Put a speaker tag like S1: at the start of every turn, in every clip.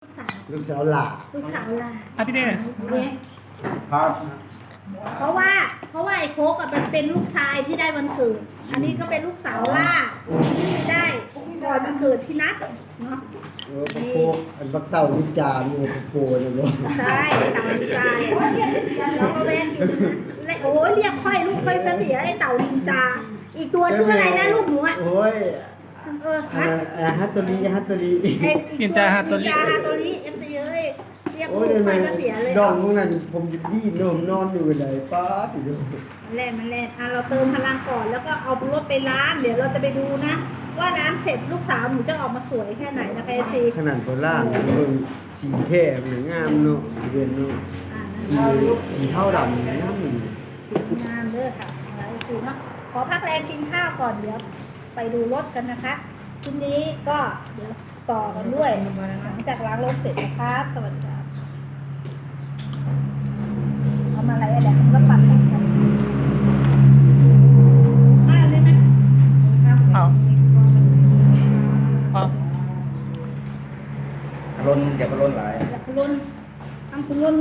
S1: สาว
S2: ลูกสาวหล่า
S1: ลูกสาวลา
S3: อ่ะพี่เน่
S4: ครับ
S1: เพราะว่าไอ้โคกอ่ะมันเป็นลูกชายที่ได้วันเกิด อันนี้ก็เป็นลูกสาวล่าที่ได้ก่อนวันเกิดพี่นัทเนาะ
S2: พวกโคกอันบักเต่าวิจารณ์มีโคนะบ่
S1: ใช่เต่าลินจาเนี่ยแล้วก็แว่นอยู่นะและโอ้ยเรียกค่อยลูกค่อยเสียไอ้เต่าลินจา อีกตัวชื่ออะไรนะลูกหนูอ่ะ
S2: โอ้ย
S1: ฮัท
S2: ฮัตโตรีฮัตโตรี
S1: ไอ้อีกตัวลินจาฮาโตริเอฟซีเอ้ยเรียก
S2: โอ้
S1: ลู
S2: ย
S1: ก
S2: ทำไม
S1: ค่อยเสียเลย
S2: ดองพวกนั้นผมดีนมนอนอยู่ไหนป้าติดู
S1: มันแล่นอ่ะเราเติมพลังก่อนแล้วก็เอารถไปล้างเดี๋ยวเราจะไปดูนะ ว่าล้างเสร็จลูกสาวหนูจะออกมาสวยแค่ไหนนะคะเอฟซี
S2: ขนาดโบราณเบิ่งสีแท้เหมือนงามเนาะสีเวียนเนาะสีเท่าดำงาม
S1: งามเด้อค่ะอะไรคือเนาะขอพักแรงกินข้าวก่อนเดี๋ยวไปดูรถกันนะคะทีนี้ก็เดี๋ยวต่อกันด้วยหลังจากล้างรถเสร็จนะครับสวัสดีครับเอามาอะไรอะเดี๋ยวมันก็ตัดกันมาเลยไหม
S3: เอาเอา
S4: ล้นอย่าไปล้นหลาย
S1: อยากคุณลุนทำคุณลุน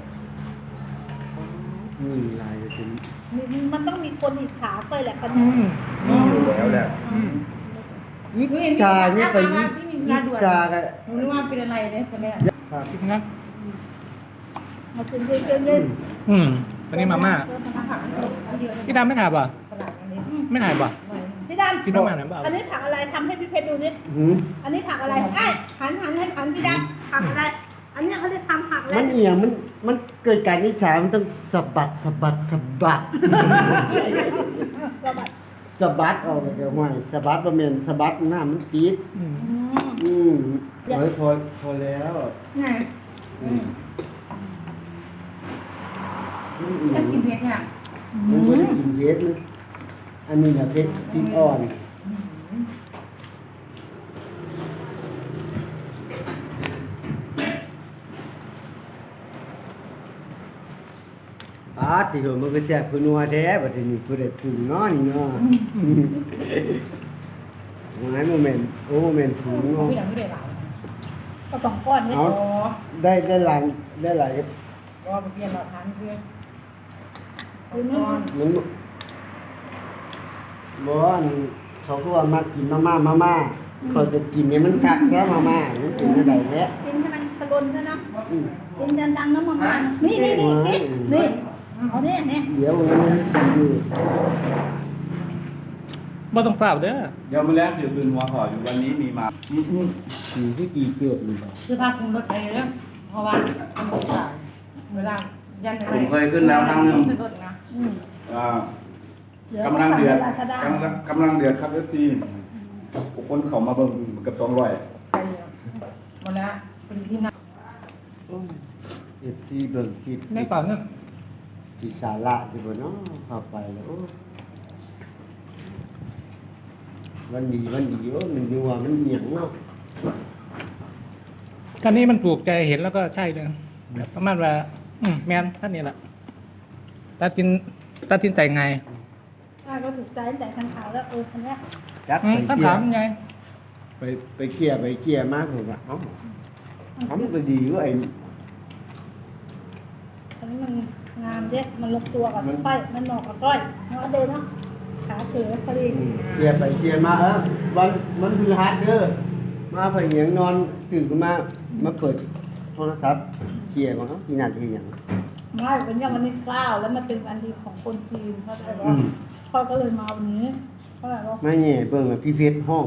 S2: นี่ลายจะเป็น
S1: มันต้องมีคนอิจฉาเคยแหละคน
S3: อื
S1: นี้
S3: ม
S4: นี่อยู่แล้วแหละ
S3: อืม
S2: ยิกชาเนี่ยไปยิกชากัน
S5: หนูนึกว่าเป็นอะไรเนี่ยตอนแรก
S2: ครับ
S3: พี่นะ
S1: มาคืนเย็น
S3: อืมวันนี้มาม่า
S5: ผักอันเดียว
S3: พี่ดำไม่ถ่ายป่ะ
S5: สลัดอันนี้
S3: ไม่ถ่ายป่ะ
S1: พี่ดำ
S3: พี่น้องมาไหนเปล่า
S1: อันนี้ผักอะไรทำให้พี่เพชรดูนิด
S2: หืม
S1: อันนี้ผักอะไรไอ้หันให้หันพี่ดำผักอะไร อันนี้เขาเรียกทำผักอะไร
S2: มันเอียงมันเกิดการนิชามันต้องสะบัดสะบัดสะบัด
S1: กระบัด
S2: สะบัดออกจากห้วยสะบัดบ่แม่นสะบัดหน้ามันติด
S3: อืม
S2: โอ้ยพอแล้ว
S5: ไง
S2: อืม
S5: ถ้ากินเผ็ดเนี่ย
S2: มันบ่ได้กินเผ็ดมันอันนี้น่ะเผ็ดพริกอ่อนที่เหมันก็แซ่บคือนัวแท้บัดนี้ผู้ใดปรุงเนาะนี่เนาะหลายโมเมนต์โอ้โมเมนต์ปรุงเนาะ
S5: พี่ดำไม่ได้หลาย
S1: ก็สองก้อนนี่
S2: เอาได้หลายได้หลาย
S5: ก็เปลี่ยนเราทานเสื้อ
S1: คือนู่น
S2: มันบ่อันเขาก็ว่ามักกินมาม่าเขาจะกินเนี่ยมันคักซะมาม่ามันกินได้แท้
S1: กินให้มันขลนซะเนาะ
S2: อืม
S1: กินดังๆน้ำมันนี่นี่เอาเนี่ย
S2: เดี๋ยวมันอยู่
S3: บ่ต้องเปล่าเด้อ
S4: เดี๋ยวมาแล้วถือปืนหัวขออยู่วันนี้มีมา
S2: สีที่กี่เกือบนี่บ่
S5: คือพาคุณรถไปเลยเพราะว่ามันรถสายเวลายันไป
S4: ผมเคยขึ้นแล้วครั้งหนึง
S5: เป็นรถนะ
S4: อ่ากำลังเดือดกำลังเดือดครับเอฟซีคนเขามาเบิ่งเกับ200
S5: ไปเลยหมดแล้วพอดีที่นั่ง
S2: FC เบิ่งคลิป
S3: ไม่เปล่าเนี่ย
S2: สิสาระอยู่บ่เนาะเข้าไปแล้วโอ้วันดีโอ้มันอยู่ว่ามันเอียงเนาะ
S3: คันนี้มันถูกใจเห็นแล้วก็ใช่เลยแบบประมาณว่าแมนท่านนี้แหละตัดสินใจไง
S1: ก็ถูกใจแต่ทางขาวแล้วคันนี้
S2: จัก
S3: อื
S2: ไป
S3: มท่าน
S2: เคลีย
S3: ถาม
S2: ร์
S3: ไง
S2: ไปเคลียร์มากผมว่าเอ้าทำก็ดีเว่าไอ้
S1: อันนี้มันงามเด็ดมันลงตัวกับก้อยมันเหมาะกับก้อยเนาะเดินเนาะขาเฉยพอดี
S2: เคลียร์ไปเคลียร์มาวันพฤหัสเด้อมาไปเหยียงนอนตื่นขึ้นมาเปิดโทรศัพท์เคลียร์มาเอ้าที่นั่นที่หยัง
S1: ไม่เป็นอย่างวันนี้9แล้วมันเป็นวันดีของคนจีนเขาใจว่าพ่อก็เลยมาวันนี้เท่าไหร่หรอ
S2: มาแหน่เบิ่งว่าพี่เพชรห้อง